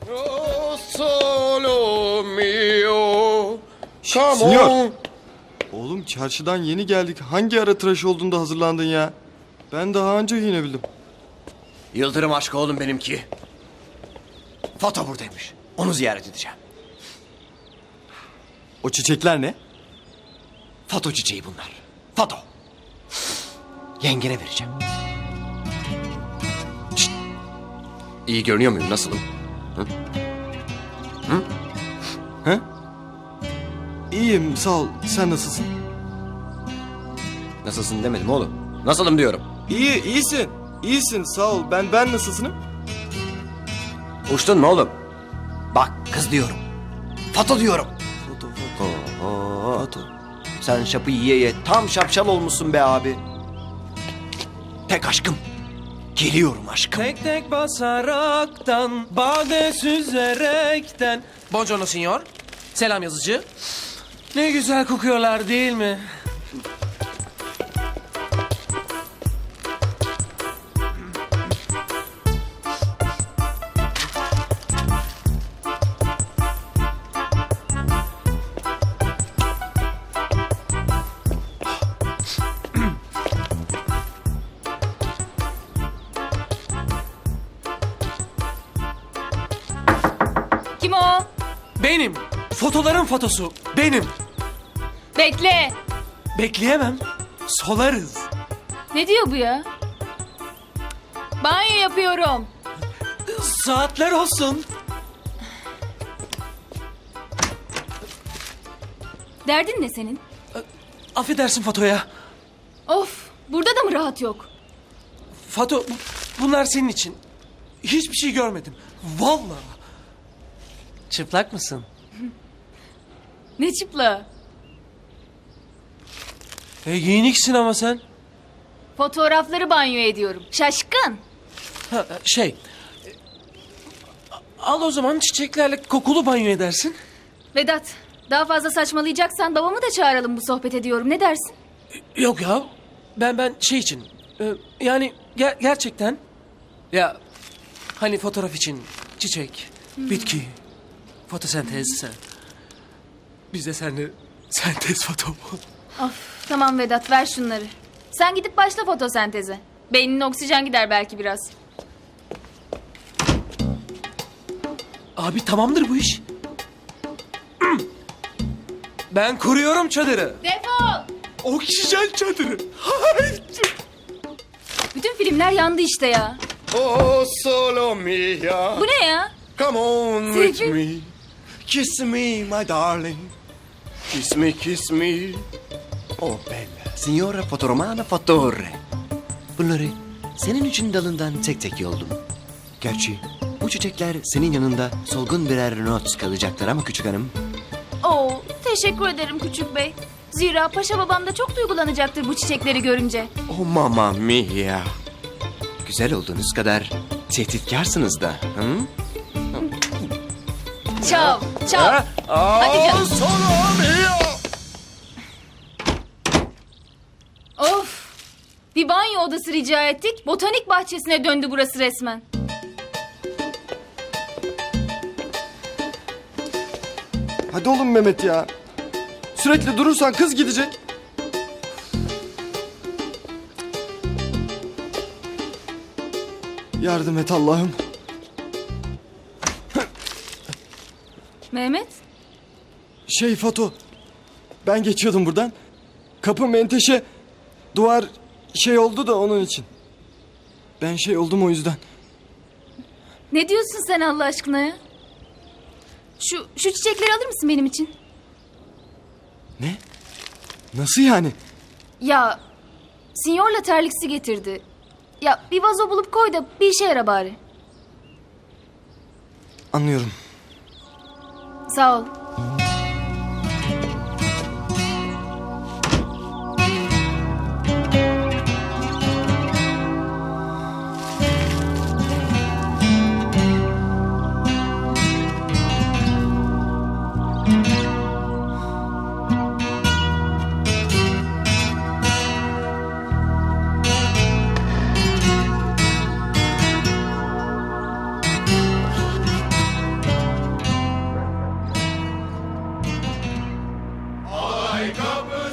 Oh, solo mio. Come Sinyor. on. Oğlum çarşıdan yeni geldik. Hangi ara tıraş olduğunda hazırlandın ya? Ben daha önce giyinebildim. Yıldırım aşkı oğlum benimki. Foto buradaymış. Onu ziyaret edeceğim. O çiçekler ne? Foto çiçeği bunlar. Foto. Yengene vereceğim. Şşt. İyi görünüyor muyum? Nasılım? He? İyiyim sağ ol. Sen nasılsın? Nasılsın demedim oğlum. Nasılım diyorum. İyisin. İyisin sağ ol. Ben nasılsınım? Uçtun mu oğlum? Bak kız diyorum. Foto diyorum. Foto. Oo. Foto. Sen şapı yiye ye tam şapşal olmuşsun be abi. Tek aşkım. Geliyorum aşkım. Tek tek basaraktan, bade süzerekten. Buongiorno signor. Selam yazıcı. Ne güzel kokuyorlar değil mi? Kim o? Benim. Fotoların fotosu. Benim. Bekle. Bekleyemem. Solarız. Ne diyor bu ya? Banyo yapıyorum. Saatler olsun. Derdin ne senin? Affedersin fotoya. Of, burada da mı rahat yok? Foto, bunlar senin için. Hiçbir şey görmedim. Vallahi. Çıplak mısın? Ne çıpla? Giyiniksin ama sen. Fotoğrafları banyo ediyorum. Şaşkın. Ha, al o zaman çiçeklerle kokulu banyo edersin. Vedat, daha fazla saçmalayacaksan babamı da çağıralım bu sohbet ediyorum. Ne dersin? Yok ya. Ben şey için. Yani gerçekten. Ya hani fotoğraf için çiçek, bitki, fotosentez. Biz de seninle sentez foto. Of, tamam Vedat, ver şunları. Sen gidip başla fotosenteze. Beynine oksijen gider belki biraz. Abi tamamdır bu iş. Ben kuruyorum çadırı. Defol! Oksijen çadırı. Bütün filmler yandı işte ya. Oh, solo mia. Bu ne ya? Come on with Sevgi. me. Kiss me, my darling. Kiss me, kiss me. Oh bella. Signora fotoromana fotore. Bunları senin için dalından tek tek yoldum. Gerçi bu çiçekler senin yanında solgun birer not kalacaklar ama küçük hanım. Oo, teşekkür ederim küçük bey. Zira paşa babam da çok duygulanacaktır bu çiçekleri görünce. Oh mamma mia. Güzel olduğunuz kadar tehditkarsınız da. Hı? Çav, çav. Hadi canım. Solo mia. Of! Bir banyo odası rica ettik. Botanik bahçesine döndü burası resmen. Hadi oğlum Mehmet ya. Sürekli durursan kız gidecek. Yardım et Allah'ım. Mehmet, Foto. Ben geçiyordum buradan. Kapı menteşe. Duvar oldu da onun için. Ben oldum o yüzden. ne diyorsun sen Allah aşkına ya? Şu çiçekleri alır mısın benim için? Ne? Nasıl yani? Ya, sinyorla terliksi getirdi. Ya bir vazo bulup koy da bir işe yara bari. Anlıyorum. Sağ ol. kapı